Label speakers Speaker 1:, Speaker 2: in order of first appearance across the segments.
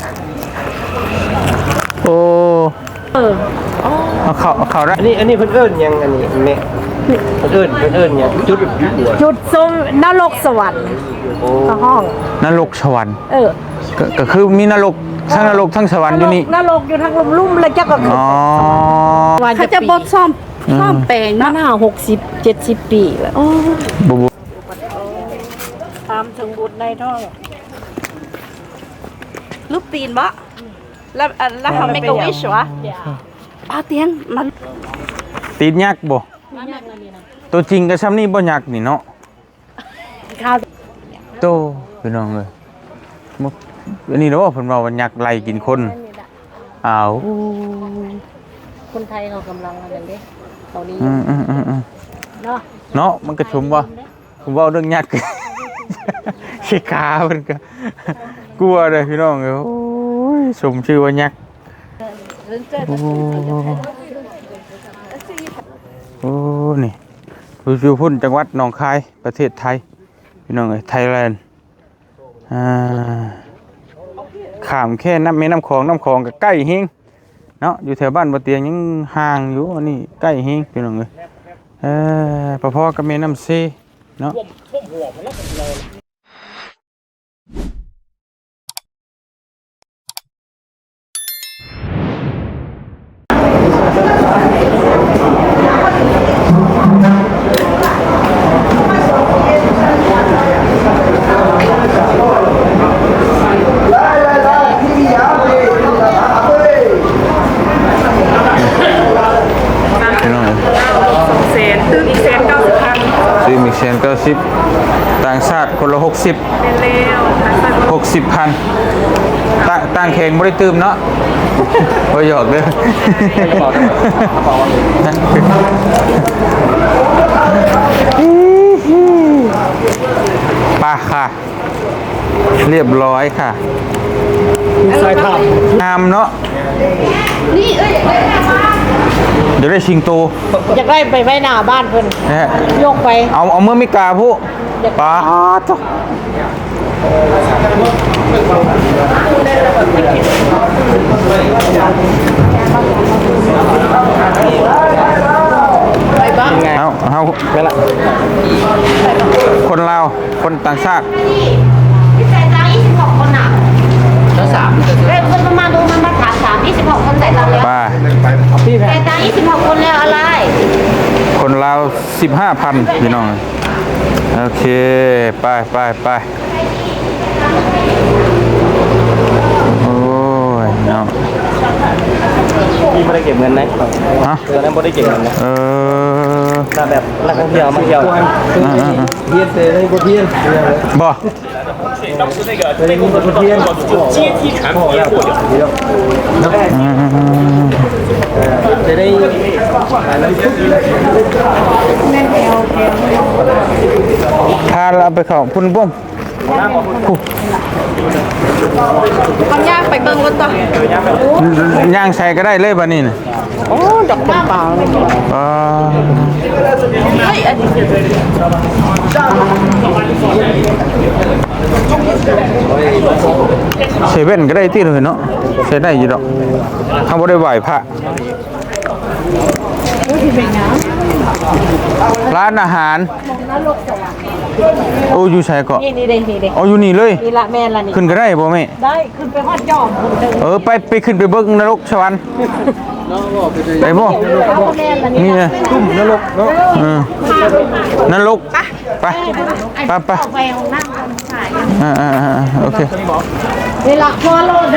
Speaker 1: โอ้เขาได้
Speaker 2: อันนี้เพิ่นเอิ้นยังอันนี้แม่เพิ่นเอิ้นยัง
Speaker 3: จุดส้มนรกสวรรค์ก็ห้อง
Speaker 1: นรกสวรรค์
Speaker 3: เออ
Speaker 1: ก็คือมีนรกทั้งนรกทั้งสวรรค์อยู่นี่
Speaker 3: นรกอยู่ทางลุ่มๆเลยเจ้าก็
Speaker 1: อ๋อ
Speaker 3: เขาจะบดซ่อมแปลงมา60-70 ปีแล้ว
Speaker 1: บุ
Speaker 3: ตามถึงบุตรในท้อง
Speaker 4: ลูกตีนบ่แล้วเขาไม่กวิชวะป้าเตียงมัน
Speaker 1: ตีนยักษ์บ่ตัวจริงก็ซ้ำนี่บ่ยักษ์นี่เนาะโตพี่น้องเลยอันนี้เนาะเพิ่นว่าว่ายักษ์ไล่กินคนอ้าว
Speaker 3: คนไทยเขากำลังอะไรเด้เขานี้
Speaker 1: เนาะมันก็ชมว่าผมว่าเรื่องยักษ์ขี้ขาเพิ่นก็กลัวเลยพี่น้องเอ้ยโอ้ยสมชื่อว่ายักษ์โอ้นี่อยู่พุ่นจังหวัดหนองคายประเทศไทยพี่น้องเอ้ยไทยแลนด์ข้ามแค่น้ำคลองก็ใกล้เฮงเนาะอยู่แถวบ้านบ่เตียงยังห่างอยู่อันนี้ใกล้เฮงพี่น้องเอ้ยพอๆกับแม่น้ำเซเนาะซื้อมิกเซน90ต่างชาติคนละ60เป็นเร็ว60,000ต่างแข่งไม่ได้ตื่มเนาะโอ้ยหยอกเลยป่ะค่ะเรียบร้อยค่ะสายทำงามเนาะนี่เดี๋ยวได้ชิงโต
Speaker 3: อยากได้ไปไว้หน้าบ้านเพิ่นยกไป
Speaker 1: เอาเมื่อไม่กาผู้ป้าจ้ะเอาไปละคนลาวคนต่างชาติ
Speaker 4: พี่ใส่ตังค์26 คนอ่ะแล้ว3คนประมาณดูมันมาถาม26 คนใส่ตังค์แล้วใส่ตังค์26 คนแล้วอะไร
Speaker 1: คนลาว 15,000พี่น้องโอเคไปโอ้ยเนาะ
Speaker 2: พี่ไม่ได้เก็บเงินนะฮะตอนนั้นไม่ได้เก็บเงินนะถ้าแบบนักท่องเที่ยวมาเที่ยวเพี้ยนเตะได้บ่เพี้ยน
Speaker 1: บ่
Speaker 2: ได้มีบ่เพี้ยน阶梯产品也获得จะได้
Speaker 1: พาเราไปเข้าพุ่นบ่ม
Speaker 4: เขาย่างไปเบิ่งรถต่
Speaker 1: อย่างใส่ก็ได้เลยบัดนี้น่ะ
Speaker 3: โอ้ดอกเป็นป่าเลย
Speaker 4: เฮ้ยอันนี้
Speaker 1: เซเว่นก็ได้ที่เลยเนาะใช้ได้อยู่ดอกทำบ่ได้ไหวพระร้านอาหารโอ้อยู่ใช่ก็
Speaker 3: นี่เด้
Speaker 1: อ๋ออยู่นี่เลย
Speaker 3: นี่ละแม่ละนี่
Speaker 1: ขึ้นก็ได้บ่แม่
Speaker 3: ได้ขึ้นไปฮอดยอม
Speaker 1: ไปขึ้นไปเบิ่งนรกสวรรค์ไปบ่นี่ไงทุ่มนรกเนาะนรกไป
Speaker 3: ไปห้องน้ำคนขาย
Speaker 1: โอเค
Speaker 3: นี่ละพอโลเด้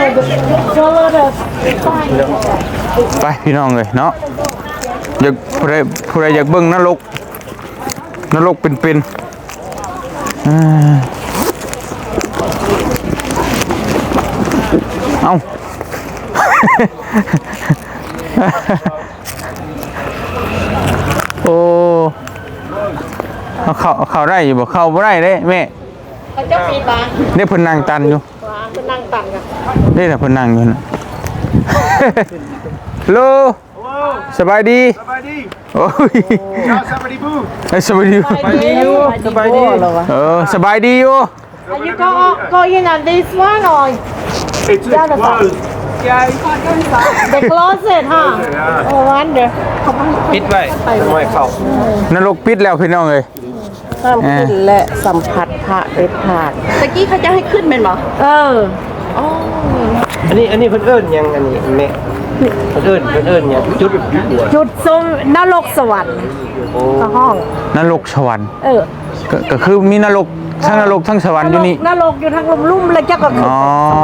Speaker 1: ไปพี่น้องเลยเนาะอยากผู้ใดอยากเบิ่งนรกเป็นเอาโอ้เข้าได้อยู่บ่เข้าบ่ได้เด้แม่
Speaker 3: เขาจะปีบา
Speaker 1: ได้เพิ่นนั่งตันอยู่
Speaker 3: เพิ่นนั่งตันกัน
Speaker 1: ได้แต่เพิ่นนั่งอยู่น่ะฮัลโหลสบายดีโอ้ยสบายดีบูสบายดี
Speaker 3: อยู่
Speaker 1: สบายดีอยู่
Speaker 3: You go in on this one or 加的少。The closet 哈，我玩的。
Speaker 2: ปิดไว้ไม่เข้าน
Speaker 1: รกปิดแล้วพี่น้องเอ้ย
Speaker 3: ห้ามขึ้นและสัมผัสพระเด็ดขาด
Speaker 5: ตะกี้เขาจะให้ขึ้นเป็นหรอ
Speaker 3: เออ
Speaker 2: อันนี้เพิ่นเอิ้นยังอันนี้แม่เพิ่นเอิ้นยังจุดหัว
Speaker 3: จุดสมนรกสวรรค์
Speaker 2: โอ้
Speaker 3: ก็ห้อง
Speaker 1: นรกสวรรค์
Speaker 3: เออ
Speaker 1: ก็คือมีนรกทั้งนรกทั้งสวรรค์อยู่นี่
Speaker 3: นรกอยู่ทางลุ่มๆแล้วเจ้าก็ขึ้น
Speaker 1: อ๋อ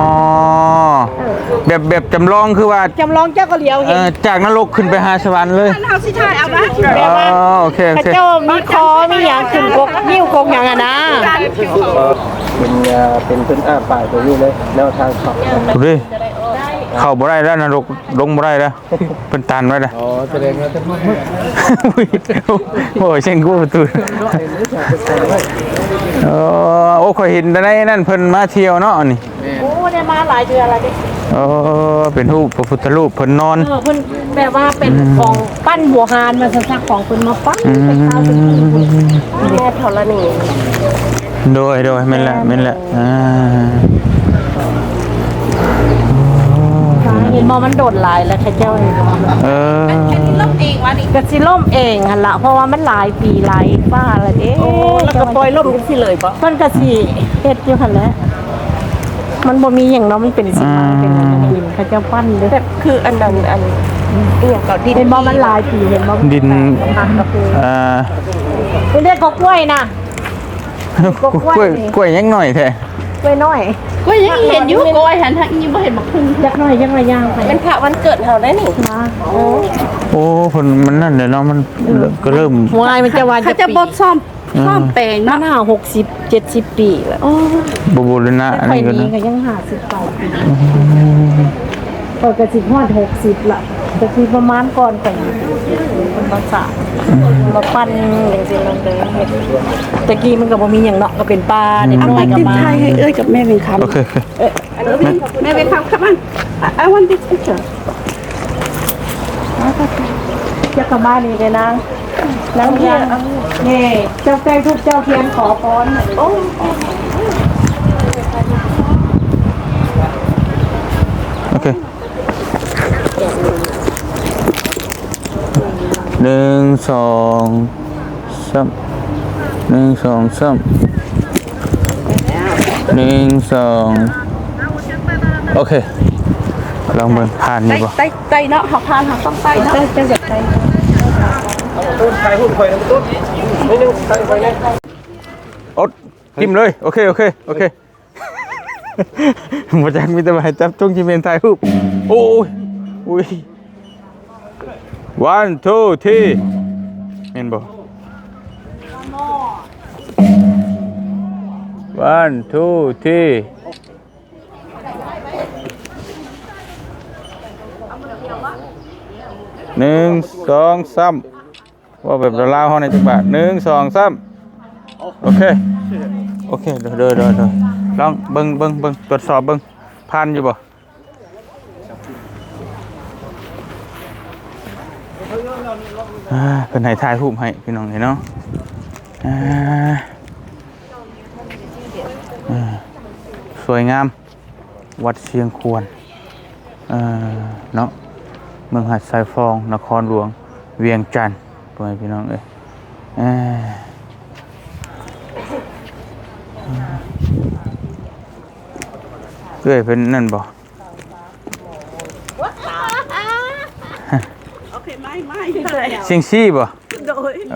Speaker 1: แบบจำลองคือว่า
Speaker 3: จำลองเจ้าก็เลี้ยวเห็น
Speaker 1: จากนรกขึ้นไปหาสวรรค์เลย
Speaker 5: เฮาสิถ่ายเอานะ
Speaker 1: อ๋อโอเคโอ
Speaker 3: พระ
Speaker 1: เค
Speaker 3: เจ้ามีคอมีหยังขึ้นกกนิ้วกกหยังอะนะ
Speaker 2: เป็นเพิ่นป้ายตัวนี้เลยแนวทางเข้า
Speaker 1: ดูดิเข้าบ่ได้แล้วนรกลงบ่ได้แล้วเป็นตันไว้แล้ว
Speaker 2: อ๋อแสดงว่าท่าน
Speaker 1: โอ้ยเช่งกูประตูโอ้ข่อยเห็นแต่ในนั่นเพิ่นมาเที่ยวเนาะนี่
Speaker 3: โอ้ได้มาหลายเดือนแล้วดิ
Speaker 1: เป็นรูปพระพุทธรูปเพิ่นนอน
Speaker 3: เพิ่นแบบว่าเป็นของปั้นบัวหานมาสักของเพิ่นมาปั้นเป็นข้าวเป็นแม่ธรณี
Speaker 1: โดยแม่นละ
Speaker 3: เห็นบ่มันโดดหลายแล้วข้าเจ้าเห็นบ่
Speaker 5: ล่มเองวะนี่
Speaker 3: ก็สิล่มเองหั่นล่ะเพราะว่ามันหลายปีหลายฟ้าแล้วเด้
Speaker 5: แล้วก็ปล่อยล่มกันสิเลยปะ
Speaker 3: เพิ่นก็สิเฮ็ดอยู่หั่นแหละมันบ่มีหยังเนาะมันเป็นสิมาเป็นอะไรดินข้าเจ้าปั้นเด้
Speaker 5: แบบคืออันนั้นอันอีหยังก็ดิน
Speaker 3: เห็นบ่มันหลายปีเห็นบ่
Speaker 1: ดิน
Speaker 3: หักก็คือ
Speaker 1: เ
Speaker 3: เรียกกกล้วยนะ
Speaker 1: กล้วยยังหน่อยแท้
Speaker 3: กล้วยน้อย
Speaker 5: ก็ยังเห็นอยู่โกยหันทางนี้บ่เห็นบักพึ่ง
Speaker 3: ยักน้อยยักน้อยย่างไป
Speaker 5: เป็นพระวันเกิดเฮาได้นี่
Speaker 3: มา
Speaker 1: โอ้เพิ่นมันนั่นเด้เนาะมันก็เริ่ม
Speaker 3: วายมันจะวัน
Speaker 5: เขาจะบดซ่อมแปลง
Speaker 3: มั
Speaker 5: เนาะ
Speaker 3: น60-70 ปีแล้ว
Speaker 1: บูรณะอัน
Speaker 3: ค่อย
Speaker 1: นี้ก็
Speaker 3: นี้
Speaker 1: นะ
Speaker 3: ก็ยัง50 ปีก็กระสิบฮอด60ละก็คือประมาณก่อนแต่งเป็นภาษามาปั้นอย่างสิมันเลยเฮ็ดตะกี้มันก็บ่มีหยังเนาะก็เป็นปลาเด็ก
Speaker 5: เอา
Speaker 3: น้อ
Speaker 5: มาย
Speaker 3: ก็
Speaker 5: ติด
Speaker 3: มา
Speaker 5: ไทยให้เอ้ยกับแม่เป็นคำ
Speaker 1: โอเค
Speaker 5: แม่เป็นคำครับมัน I want this picture
Speaker 3: จะกลับบ้านนี่เลยนางนางเทียนนี่เจ้าแก้ทุกเจ้าเทียนขอพรโอ้
Speaker 1: โอเค1 2 3 1 2 3 1 2 3 โอเคลองเบิ่งผ่านอยู่บ่
Speaker 5: ไตเนาะหาพานหาต้องไตเนาะ
Speaker 3: เจ้าอยากไป
Speaker 2: ต้นถ่ายรูปข่อยนำต้นนิดนึงถ่ายข่อยแน่
Speaker 1: อดจิ้มเลยโอเคบ่จักมีแต่ว่าให้จับจงจิเมนถ่ายรูปโอ้ยอุ้ย 1 2 3แม่นบ่ 1 2 3 1 2 3ว่าแบบลาวๆเฮาในจังหวะ1 2 3โอเคเด้อลองเบิ่งตรวจสอบเบิ่งผ่านอยู่บ่เพิ่นให้ถ่ายรูปให้พี่น้องเนาะสวยงามวัดเชียงควรเนาะเมืองหัดสายฟองนครหลวงเวียงจันทน์พ่อแม่พี่น้องเอ้ยเอ้ยเป็นนั่นบ่
Speaker 5: โอเคไม่เลย
Speaker 1: เชียงซี่บ่
Speaker 5: โดย
Speaker 1: โอ้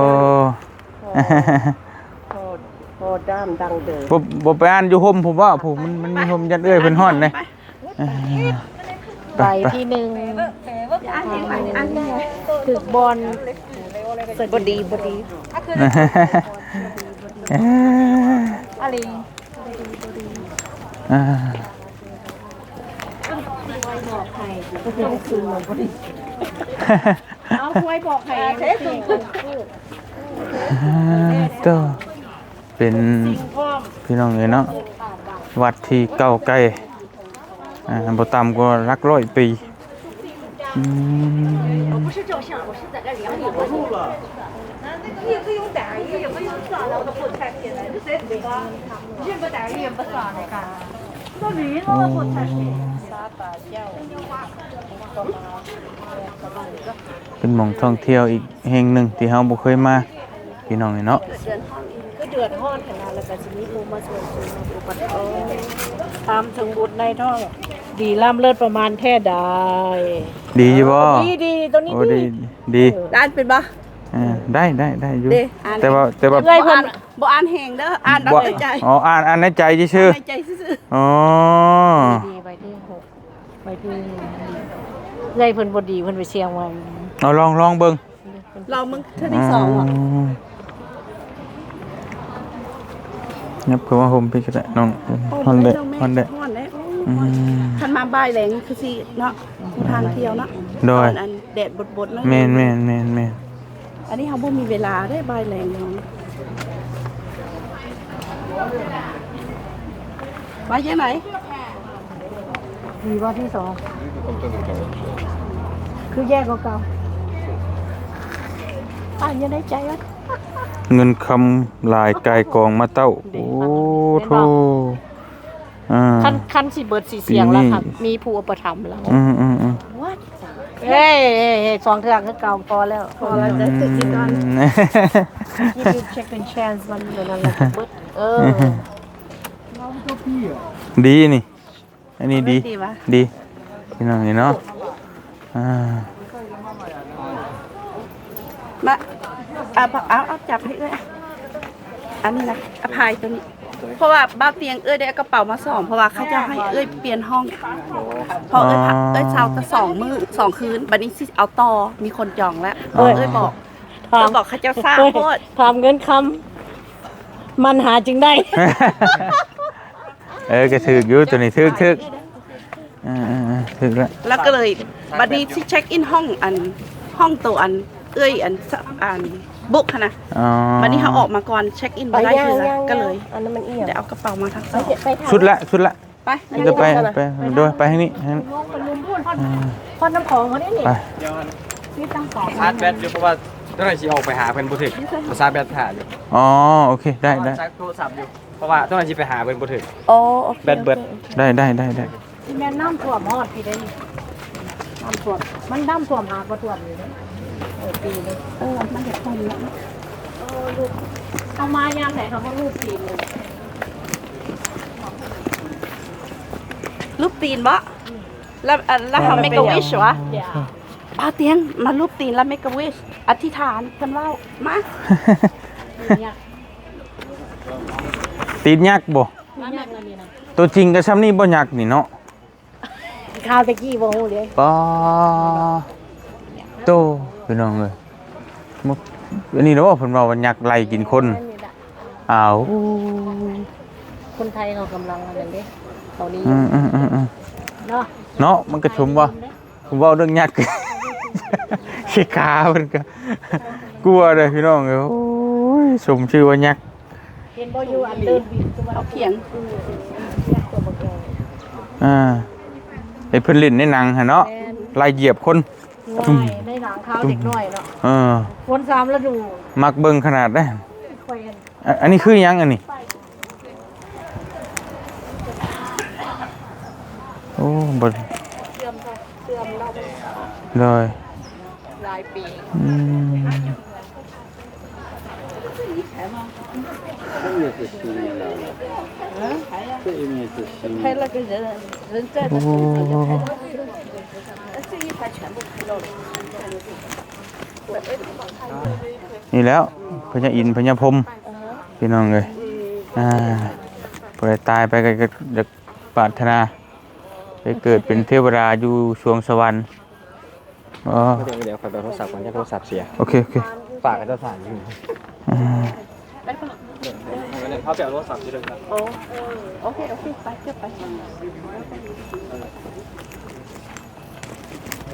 Speaker 3: โอ้ด้ามดังเด้อ
Speaker 1: บ่ไปอ่านอยู่ห่มผมว่าผมมันมีห่มยันเอ้ยเพิ่นฮ้อนเลย
Speaker 3: ใบที่1ถึกบอลบดีอะไรเอาคุยบอกใครเทส
Speaker 1: ก็เป็นพี่น้องเนาะวัดที่เก่าไกลบ่ต่ำกว่าหลักร้อยปีโอ้
Speaker 3: ซาตาเจ้าก็มา
Speaker 1: เป็นหม่องท่องเที่ยวอีกแห่งหนึ่งที่เฮาบ่เคยมาพี่น้องนี่เนาะ
Speaker 3: ก็เดือดร้อนขนาดแล้วก็สิมีผู้มาช่วยซื้อมาอุปถัมภ์ตามถึงบุตรในท้องดีล่ำเลิศประมาณแท้ใด
Speaker 1: ดีอยู่บ่
Speaker 3: ดีตัวนี้
Speaker 1: โอ้ดีดี
Speaker 5: ด้านเป็นบ่
Speaker 1: ได้อยู่
Speaker 5: เด้อ่าน
Speaker 1: แต่ว่า
Speaker 3: เอ้ย
Speaker 5: บ่
Speaker 3: เพิ่
Speaker 5: อ่าน นบ่อ่านแหงเด้ออ่านเอา
Speaker 1: บ่
Speaker 5: ในใจ
Speaker 1: อ๋ออ่านในใจซื่อ
Speaker 5: ในใจซื่อ
Speaker 1: ๆอ๋อ
Speaker 3: ดีไปที่6ไปที่เอ้ยเพิ่นบ่ดีเพิ่นไปเชียงใหม่
Speaker 1: เอาลองเบิ่ง
Speaker 5: ๆเรามึงเท่าที่สองอ่ะ
Speaker 1: ยับคือว่าผมพี่ก็ได้น้องฮอนเดะฮอนเดะ
Speaker 5: ฮ้อนเด้
Speaker 1: อืม
Speaker 5: คันมาบ่ายแหลงคือสิเนาะทางเที่ยวเนาะ
Speaker 1: โดย
Speaker 5: อันแดดบดๆเนาะ
Speaker 1: แม่น
Speaker 5: อันนี้เฮาบ่มีเวลาได้บ่ายแหลงเนาะไปยังไหน
Speaker 3: ดีว่าที่2คือแยกเก่าอ่านยังได้ใจวะ
Speaker 1: เงินคำลายกายกองมาเต้าโอ้โธ่
Speaker 3: คันสิเบิดสิเสียงแล้วค่ะ
Speaker 1: ปีนี้
Speaker 3: มีผู้อุปถัมภ์แล้ว
Speaker 1: อืม
Speaker 3: เฮ้ยสองเทือกคือเก่าพอแล้ว
Speaker 5: พอแล้วจะติดที่กัน
Speaker 3: นี่คือ second chance มันเหมือนนั้นแหละเบิด
Speaker 1: ดีนี่ อันนี้ดี
Speaker 5: ดีวะ
Speaker 1: ดีพี่น้องนี่เนาะอ่า
Speaker 5: มาเอาจับให้เอ้ยอันนี้นะอภัยตัวนี้ เพราะว่าบ้านเตียงเอ้ยได้เอากระเป๋ามา2เพราะว่าเขาจะให้เอ้ยเปลี่ยนห้องพอเอ้ยพักเอ้ยเช้าจะ2 คืนบัดนี้สิเอาต่อมีคนจองแล้วเอ้ยบอกบอกเขาเจ้าทราบโพด
Speaker 3: ถามเงินคำมันหาจึงได้
Speaker 1: ก็ถึกอยู่ตัวนี้ถึกถึกแล้ว
Speaker 5: แล้วก็เลยบัดนี้ที่เช็คอินห้องห้องตัวเอ้ยบุ๊กนะ
Speaker 1: อ๋อ
Speaker 5: บัดนี้เขาออกมาก่อนเช็คอินมาได้คือก็เลย
Speaker 3: อันนั้นมันเอียง
Speaker 5: เดี๋ยวเอากระเป๋ามาทั้งสอง
Speaker 1: ชุดละ
Speaker 5: ไป
Speaker 1: จะไปด้วยไปให้นี่
Speaker 3: พอน้ำของเขาเนี่ยนี่
Speaker 1: ไป
Speaker 3: นี่ตั้งสอง
Speaker 2: ชาร์จแบตอยู่เพราะว่าเจ้าหน้าที่ออกไปหาเพิ่นบ่ถึกชาร์จแบตหาอยู่
Speaker 1: อ๋อโอเคได้
Speaker 2: ชาร์จโทรศัพท์อยู่เพราะว่าเจ้าหน้าที่ไปหาเพิ่นบ่ถึก
Speaker 5: โอ้โอเค
Speaker 2: แบตเบิด
Speaker 1: ได้
Speaker 3: ที่แม่น้ำท่วมฮอดพี่ได้นี่น้ำท่วมมันน้ำท่วมหาก็ท่วมอยู่เลยปีนึง
Speaker 5: มันจะทนแล้ว
Speaker 3: ลูกเอามายามไหนเขาก็ลูกปีนึง
Speaker 5: รูปตีนบ่แล้วทำเมกะวิชวะ
Speaker 3: เดี๋ยว
Speaker 5: ป้าเตียงมารูปตีนแล้วเมกะวิชอธิษฐานเพิ่นว่ามา
Speaker 3: เนี่ย
Speaker 1: ตีนยักษ์บ่
Speaker 3: มันยากนะนี่นะ
Speaker 1: ตัวจริงก็ซ้ำนี่บ่ยักษ์นี่เนาะ
Speaker 3: ข้าวตะกี้บ่ฮู้เลย
Speaker 1: ป้าโตพี่น้องเอ้ยมุกอันนี้เนาะเพิ่นว่าว่ายักษ์ไล่กินคนอ้าว
Speaker 3: คนไทยเขากำลังอะไรเด้เขานี้ เนาะ
Speaker 1: เนาะมันก็ชมว่าผมเว้าเรื่องยักษ์ ขี้ขาเพิ่นก็กลัวเด้อพี่น้องเอ้ยโอ้ยสมชื่อว่ายักษ์
Speaker 3: เห็นบ่อยู่อันเดินบินตัว
Speaker 5: เอาเขียง
Speaker 3: ตัวบ่แก่
Speaker 1: ไอ้เพิ่นเล่นในหนังหั่นเนาะไล่เหยียบคน
Speaker 3: น้อยได้หนังขาวเด็กน้อยเนาะ
Speaker 1: เออ
Speaker 3: คนสามฤดู
Speaker 1: มักเบิ่งขนาดได้
Speaker 3: ค่อยกัน
Speaker 1: อันนี้คือหยังอันนี้โอ้บ่
Speaker 3: เสื่อมเรา
Speaker 1: เลย
Speaker 3: หลายปี
Speaker 1: อืม
Speaker 5: 拍了个人在的， 这一排全部拍到了。
Speaker 1: นี่แล้วพญาอินทร์พญาพรหมพี่น้องเลยปล่อยตายไปก็จะปรารถนาไปเกิดเป็นเทวดาอยู่สวงสวรรค์อ๋อ
Speaker 2: เดี๋ยวขอโทรศัพท์ก่อนโทรศัพท์เสีย
Speaker 1: โอเค
Speaker 2: ฝากกับเจ้าสารอยู่เขาไปเอาโทรศัพท์ที่เดิมครับ
Speaker 5: OK，ไปเก็บไป。
Speaker 2: โอ้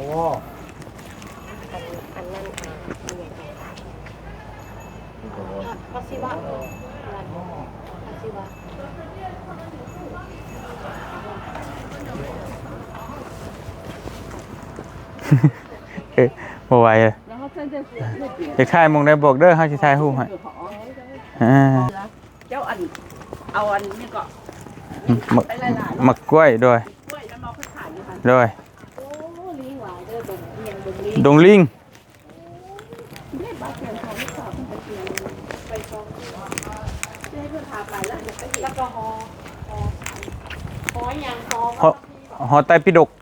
Speaker 3: พัสิวะพัสิวะ
Speaker 1: บ่ไหวเลยจะถ่ายหมองได้บอกเด้อเฮาสิถ่ายรูปให้
Speaker 5: เจ้าเอาอันนี้ก็
Speaker 1: มักกล้วยด้วย
Speaker 5: กล้วยแล้วมองเขาขายอยู่ค่ะ
Speaker 1: ด้วย
Speaker 3: โอ้ลิงหวายเด้อดงเอียงดงลิง
Speaker 1: ดงลิง
Speaker 5: เรียกบ้านเปลี่ยนของที่สอบเป็นเปลี่ยนไปชมให้เพื่อนพาไปแล้วเดี๋ยวไปเห็นแล้วก็ฮอยังฮอ
Speaker 1: หอไตรปิฎก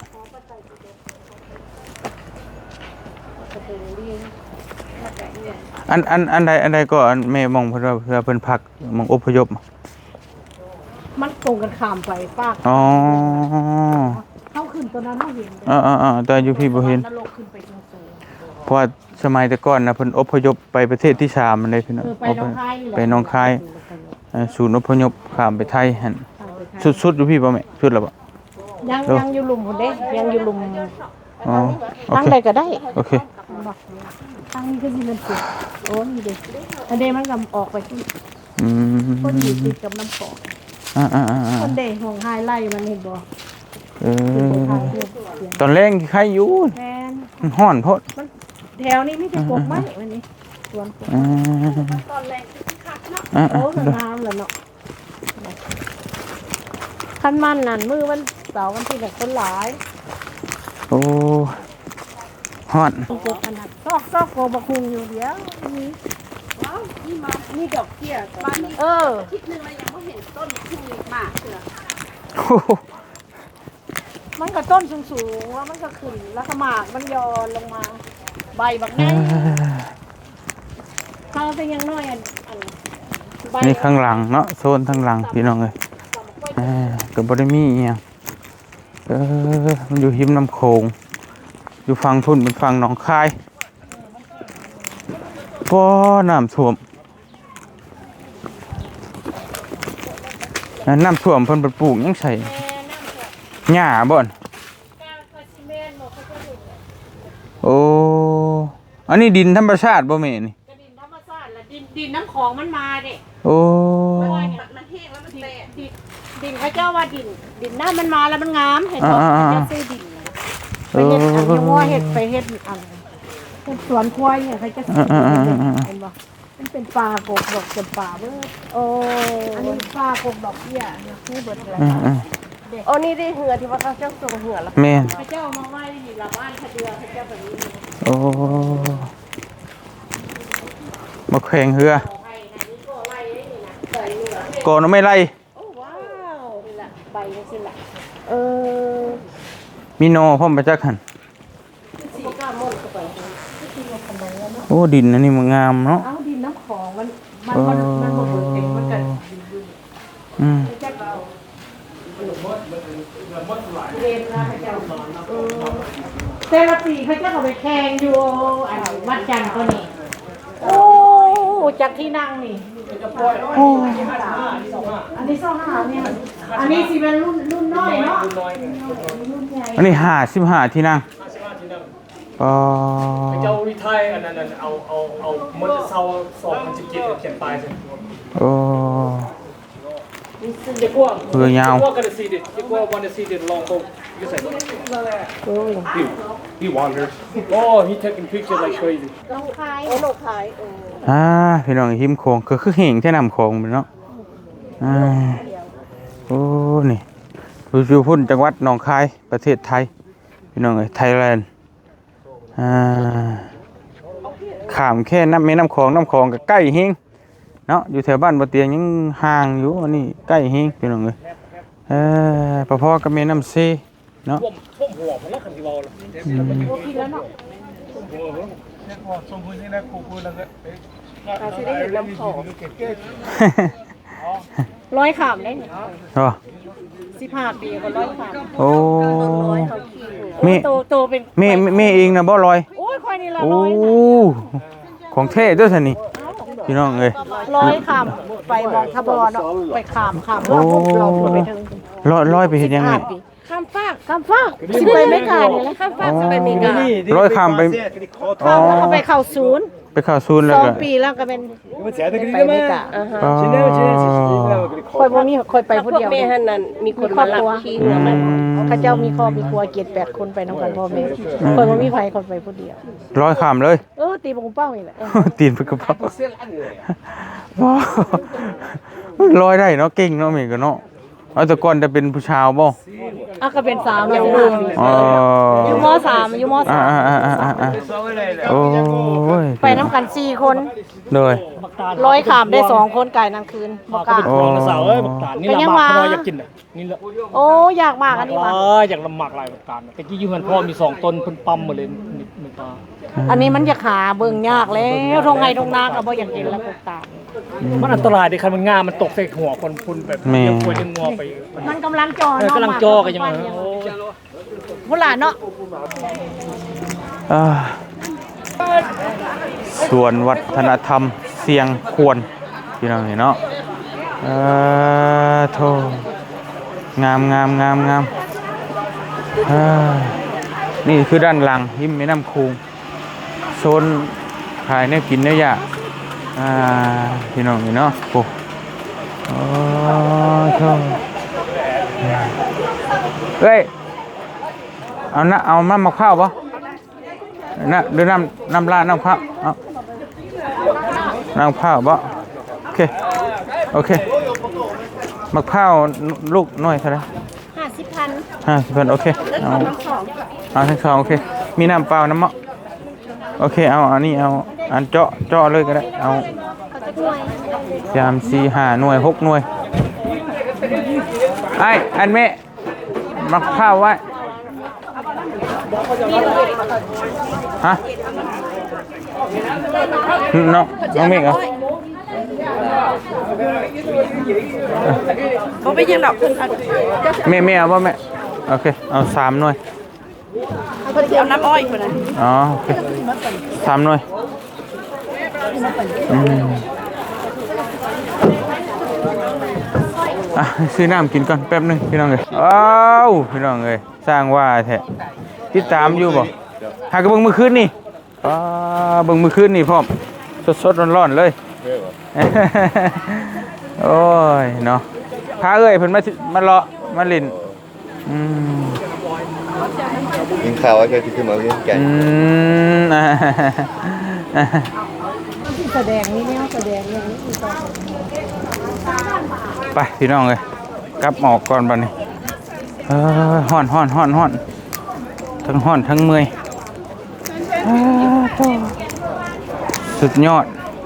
Speaker 1: อันใดก็อันแม่มองเพื่อเพิ่นพักมองอพยพ
Speaker 3: มันตรงกันข้ามไปป้า
Speaker 1: อ๋อ
Speaker 3: เข้าขึ้นตัวนั้นเขาเห็น
Speaker 1: แต่อยู่พี่บ่เห็น
Speaker 3: นรกขึ้นไปตรงสูง
Speaker 1: เพราะว่าสมัยแต่ก่อนนะเพิ่นอพยพไปประเทศที่3มันได้พี่น้อง
Speaker 3: ไปหนองคายนี่แหละ
Speaker 1: ไปหนองคายศูนย์อพยพข้ามไปไทยหั่นสุดๆอยู่พี่บ่แม่สุดแล้วบ่
Speaker 3: ยังอยู่หลุมพุ่นเด้ยังอยู่หลุม
Speaker 1: อ๋อโอ
Speaker 3: ตั้ง
Speaker 1: เค
Speaker 3: ใดก็ได้
Speaker 1: โอเค
Speaker 3: ตั้งนี้ก็สิมันสุดโอ้นี่เด้อันเดมันก็ออกไปที่
Speaker 1: อืม
Speaker 3: คนอยู่ติดกับน้ำปอก คนเดห่วงไฮไล่มันเห็นบ่
Speaker 1: เออตอนแรกใครอยู่
Speaker 3: แทน
Speaker 1: มันฮ้อนโพด
Speaker 3: แถวนี้ไมแต่จะกบไม้วันนี้สวนกบ
Speaker 5: ตอนแรกคือคักเนาะ
Speaker 3: โอ้สงามแล้วเนาะคันมันนั่นมือวันเสาร์วันที่แบบคนหลาย
Speaker 1: โอ้ฮ้อน
Speaker 3: กบอันนั้นซอกโกบักคุงอยู่เดียวนี่
Speaker 5: ว้าวนี่มานี่ดอกเกี้ยบ้านนี้
Speaker 3: อ
Speaker 5: คิดนึงเรายังไม่เห็นต้นที่มีมากเสือ
Speaker 1: โอ้โห
Speaker 3: มันก็ต้นสูงๆว่ามันก็ขึ้นแล้วก็หมากมันย้อนลงมา ใบบักไงเขาเป็นยังน้อยอันใบ
Speaker 1: นี่ข้างหลังเนาะโซนข้างหลังพี่น้องเอ้ยก็บ่ได้มีอีหยังมันอยู่หิมน้ำโขงอยู่ฝั่งพุ่นเป็นฝั่งหนองคายบ่น้ำท่วมน้ำท่วมเพิ่นไปปลูกหยังใส่หญ้าบ่อนโอ้อันนี้ดินธรรมชาติบ่แม่นี่
Speaker 3: กระดินธรรมชาติละดินน้ำของมันมาเด้
Speaker 1: โอ้
Speaker 5: มันแห้งแล้วมันแตก
Speaker 3: ดินเขาเจ้าว่าดินน้ำมันมาแล้วมันงามเห็นบ่เขาเจ้าซื้อดินไปเฮ็ดอันยังว่าเฮ็ดไปเฮ็ดอันเฮ็ดสวนควายเนี่ยเขาจะซื้อเห็นบ่มันเป็นป่ากกดอกเป็นป่าเบิดโอ้อันนี้ป่ากกดอกเบี้ยนี่เบิดเลย
Speaker 5: โอ้นี่ได้เหือที่ว่าเขาเจ้าส่งเหือแล้ว
Speaker 1: แม่น
Speaker 3: เขาเจ้ามาไว้นี่ละบ้านเขาเดือเขาเจ้าแบบนี้
Speaker 1: โอ้มาแข่งเรือก่อนไม่ไล่
Speaker 3: โอ้ว้าวนี่ล่ะใบนี่สิล่ะเออ
Speaker 1: มีโนพ่อมไปจักหันโอ้ดินอันนี้มันงามเนาะ
Speaker 3: เอาดินน้ำของมันบ่เบิดเองมันก็
Speaker 1: อืม
Speaker 3: จักเอาเรียนนะเขาเจ้าแต่ละปีเขาเจ้าก็ไปแข่งอยู่อันวัดจันทร์ตัวนี้โอ้จากที่นั่งนี่โอ้อันนี้25เนี่ยอันนี้สิเป็นรุ่นน้อยเนาะรุ่นใหญ่
Speaker 1: อันนี้55ที่นั่งอ๋อ
Speaker 2: เจ้าวิทัยอันนั้นเอามันจะเศร้า2017เขียนปลายใช่
Speaker 1: โอ้
Speaker 2: เด็กว่า
Speaker 1: เรือยาว
Speaker 2: เด็กว่ากันซีเด็ดเด็กว่าวันซีเด็ดลองตรงyou say he wanders oh he taking pictures like crazy
Speaker 3: ลงคาย
Speaker 5: โอ้หนูขาย
Speaker 1: พี่น้องหิมโขงคือเห่งแท่น้ำโขงเนาะโอ้นี่อยู่พุ่นจังหวัดหนองคายประเทศไทยพี่น้องเอ้ยไทยแลนด์ข้ามแค่น้ำแม่น้ำโขงก็ใกล้เฮงเนาะอยู่แถวบ้านบ่เตียงยังห่างอยู่อันนี้ใกล้เฮงพี่น้องเอ้ยพอๆกับแม่น้ำเซเนาะ
Speaker 2: ท่วมหัวผมแล้วคันที่วอลแล้ว
Speaker 3: โอ้พี่แล้วเนาะ
Speaker 2: ส่งพื้นที่ได้คูแล้วก็
Speaker 5: อาจจะได้เห็นลำของ
Speaker 3: ร้อยขามได้เนี่ย
Speaker 1: อ๋อ
Speaker 3: 15 ปีก็ร้อยขาม
Speaker 1: โอ้
Speaker 5: เขาขี่หัว
Speaker 3: โตเป็น
Speaker 1: แม่เองนะบ่ลอย
Speaker 3: โอ้ยค่อยนี่ละ
Speaker 1: โอ้
Speaker 3: ร้อยนะ
Speaker 1: ของเท่ด้วยสินี่พี่น้องเอ้ย
Speaker 3: ร้อยขามไปมองทบเนาะไปขามเราไปถึง
Speaker 1: ลอยไปเห็นยังไง
Speaker 3: ข้ามฟากสิไปไม่กานี่แหละข้ามฟากสิไปไม่กา
Speaker 1: ร้อยข้ามไป
Speaker 3: ข้ามแล้วก็ไปเข้าศูนย์
Speaker 1: ไปเข้าซูนย์แล้วก็
Speaker 3: 2 ปีแล้วก็เป็นไปไม่กา
Speaker 1: อ๋อ
Speaker 3: ค่อยบ่มีค่อยไปผู้
Speaker 5: พวก
Speaker 3: เดียว
Speaker 5: แม่ฮันนั้นมีคนมารับขี่หัวมัน
Speaker 3: เขาเจ้ามีครอบมีครัว7-8 คนไปนำกันพ่อแม่ค่อยบ่มีไผคนไปผู้เดียว
Speaker 1: ร้อยข้ามเลย
Speaker 3: ตีบงเป้านี่แหละ
Speaker 1: ตีนไปกระเพาะว้าวลอยได้เนาะเก่งเนาะเมย์ก็เนาะเอาแต่ก่อนจะเป็นผู้ชาวบ่
Speaker 3: อ่ะก็เป็นสาวเนาะ
Speaker 1: อ๋อ
Speaker 3: อยู่ม.3อยู่ม.3
Speaker 1: โอ้ย
Speaker 3: ไปน้ำกัน4 คน
Speaker 1: เลย
Speaker 3: ร้อยขามได้2 คนไก่นั่นคืนบ่กล้า
Speaker 1: โอ้
Speaker 2: สาวเอ้ยบักตาลนี่ละหมากเขาอยากกินอ่ะนี่ละ
Speaker 3: โอ้อยากมากอันนี้ว่ะ
Speaker 2: อยากละหมากหลายบักตาลตะกี้อยู่เฮือนพ่อมี2ต้นเพิ่นปั๊มมาเลยนี่ตา
Speaker 3: อันนี้มันอยากหาเบิ่งยากแล้วทงไห้ทงนาก็บ่อยากกินแล้วพวกตาล
Speaker 2: มันอันตรายดิคันมันงามมันตกใส่หัวคนพุ่นแบบเลี้ยงควายเลี้ยงงัวไป
Speaker 3: มันกำลังจอ
Speaker 2: เออกำลังจอกันยังไงโอ้
Speaker 3: พุ่นล่ะเนาะ
Speaker 1: อ่าส่วนวัฒนธรรมเสียงควรพี่น้องเห็นเนาะโธ่งามนี่คือด้านหลังหิมแม่น้ำคูงโซนขายเนี่ยกินเนี่ยอยากพี่น้องเห็นเนาะโอ้โธ่เฮ้ยเอาน้ำมะพร้าวปะนะหรือน้ำราดน้ำข้าวเอาน้ำข้าวบ่โอเคมะพร้าวลูกน้อยเท่าไหร่ 50,000โอเคเอาทั้งสองโอเคมีน้ำเปล่าน้ำมะโอเคเอาอันนี้เอาอันเจาะเลยก็ได้เอา3 4 5 หน่วย 6 หน่วยไอ้อันแม่มะพร้าวไว้ฮะน้องเมฆเหรอ
Speaker 5: บ่ไปยังดอกเพิ่นเอา
Speaker 1: แม่เอาป่ะแม่โอเคเอา3 หน่วย
Speaker 5: เพิ่นสิเอาน้ำอ้อยเพิ่นน่ะ
Speaker 1: อ๋อโอเค3 หน่วยซื้อน้ำกินก่อนแป๊บนึงพี่น้องเลยพี่น้องเลยสร้างว่าแท้ติดตามอยู่บ่หากระเบิ่งมือคืนนี่เบิ่งมือคืนนี่พร้อมสดๆร้อนๆเลยโอ้ยเนาะพาเอ้ยเพิ่นมาเลาะมาเล่น
Speaker 6: กินข้าวไว้ก็คือมาเรียนแก่
Speaker 3: แสดงนี่แนวแสดงอย่างนี้คือตอน
Speaker 1: ไปพี่น้องเลยกลับหมอกก่อนบัดนี้ฮ้อนทั้งฮ้อนทั้งเมื่อยสุดยอด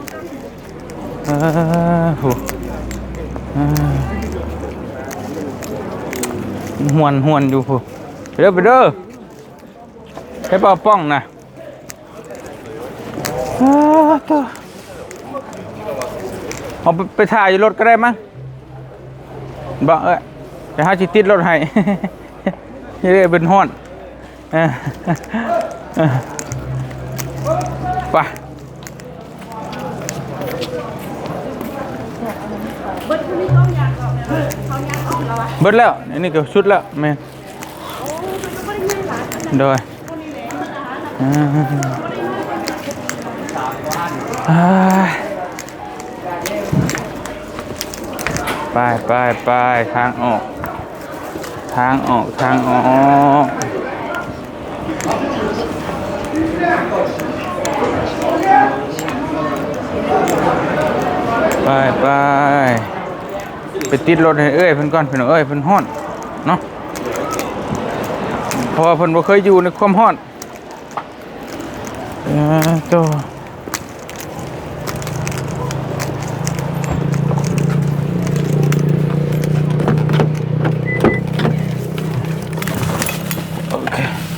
Speaker 1: หวนอยู่ผู้ไปเด้อให้เป่าป้องนะเอาไปถ่ายอยู่รถก็ได้มั้งบอกจะหาจิติดรถให้เรียกเป็นห้อนไปเบิดแล้วนี่ก็ชุดแล้วแม่โดยไปทางออกไปติดรถให้เอ้ยเพิ่นก่อนเพิ่นเอ้ยเพิ่นฮ้อนเนาะเพราะว่าเพิ่นบ่เคยอยู่ในความฮ้อนโตโอเค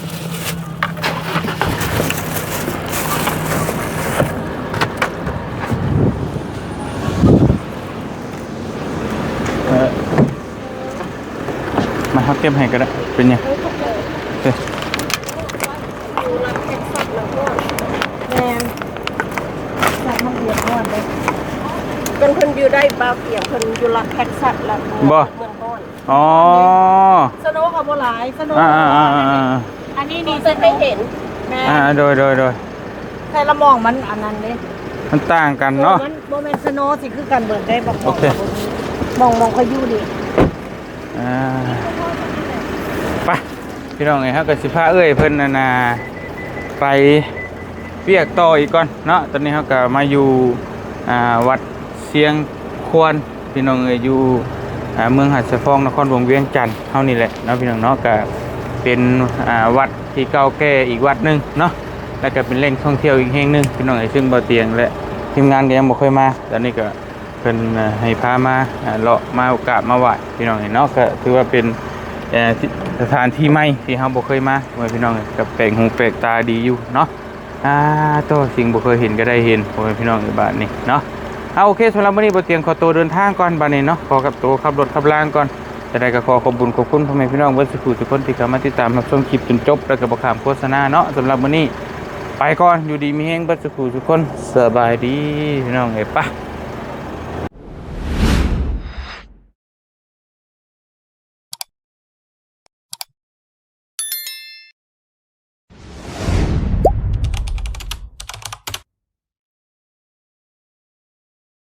Speaker 1: มาเฮาเก็บให้ก็ได้เป็นยังโอเค
Speaker 3: แมนจากมันเดือดร้อนเลย
Speaker 5: เพิ่นอยู่ได้บ่าวเปียงเพิ่นอยู่รัฐเท็กซัสแล้ว
Speaker 1: บ่อ๋อ
Speaker 3: สโนว์กับโบหลายสโนว์ อันนี้นี่
Speaker 5: เพิ่นไม่เห็น
Speaker 3: แม่
Speaker 1: โดย
Speaker 3: ใครละมองมันอันนั้นเด้
Speaker 1: มันต่างกันเนาะ
Speaker 3: มันโบแมนสโนว์สิคือกันเบิดได้บอก
Speaker 1: โอเค
Speaker 3: มองเขาอยู่ดิ
Speaker 1: ไปพี่น้องไงฮะกับสิพาเอ้ยเพิ่นน่ะไปเปียกต่ออีกก่อนเนาะตอนนี้เขาก็มาอยู่วัดเสียงควรพี่น้องเอ้ยอยู่เมืองหัดสะพองนครหลวงเวียงจันทร์เฮานี่แหละเนาะพี่น้องเนาะก็เป็นวัดที่เก่าแก่อีกวัดหนึงเนาะแล้วก็เป็นแหล่งท่องเที่ยวอีกแห่งหนึงพี่น้องซึ่งบ่เตียงและทีมงานก็ยังบ่เคยมาตอนนี้ก็เพิ่นให้พามาเลาะมาโอกาสมาไหว้พี่น้องเนาะก็ถือว่าเป็นสถานที่ใหม่ที่เฮาบ่เคยมาพี่น้องก็แปลกหูแปลกตาดีอยู่เนาะตัวสิ่งบ่เคยเห็นก็ได้เห็นพี่น้องในบ้านนี้เนาะโอเคสำหรับวันนี้บ่เตียงขอตัวเดินทางก่อนบัดนี้เนาะขอกับตัวขับรถขับล่างก่อนจะได้ก็ขอขอบคุณพ่อแม่พี่น้องเบิดสุขทุกคนที่เข้ามาติดตามรับชมคลิปจนจบแล้วก็บ่ข้ามโฆษณาเนาะสำหรับวันนี้ไปก่อนอยู่ดีมีแฮงเบิดสุขทุกคนสบายดีพี่น้องเอ้ยปะ